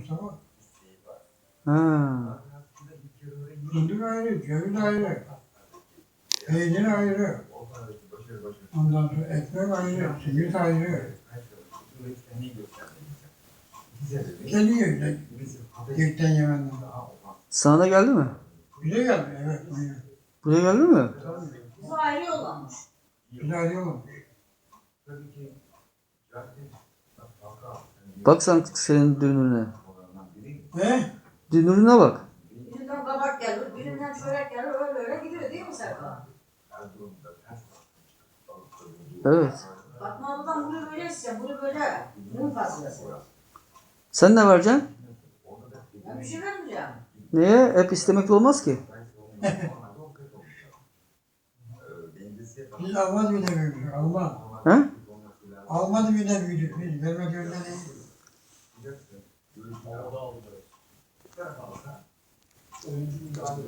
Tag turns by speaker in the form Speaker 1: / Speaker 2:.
Speaker 1: Mustafa.
Speaker 2: Ha.
Speaker 1: Fındık ayrı, ceviz ayrı. Peynir ayrı. Ondan sonra ekmek ayrı, simit ayrı. Geliyor işte. Yekten Yemen'den.
Speaker 2: Sana da geldi mi?
Speaker 1: Bize geldi, evet. Buyurun.
Speaker 2: Buraya geldi mi?
Speaker 3: Bu ayrı yollamış.
Speaker 1: Bize ayrı olmuş.
Speaker 2: Bak sen senin dünürüne.
Speaker 1: Ne?
Speaker 2: Dünürüne bak.
Speaker 3: Birinden kabak gelir, birinden çörek gelir, öyle öyle gidiyor değil mi Serkan?
Speaker 2: Evet.
Speaker 3: Fatma abladan bunu böyle isteyeceğim, bunu böyle. Bunun fazlası.
Speaker 2: Sen ne vereceksin?
Speaker 3: Ben bir şey vermeyeceğim.
Speaker 2: Niye? Hep istemekle olmaz ki.
Speaker 1: Biz Almaz bir de büyüdük, Almaz.
Speaker 2: He?
Speaker 1: Almaz bir de büyüdük, biz vermek öyle değil.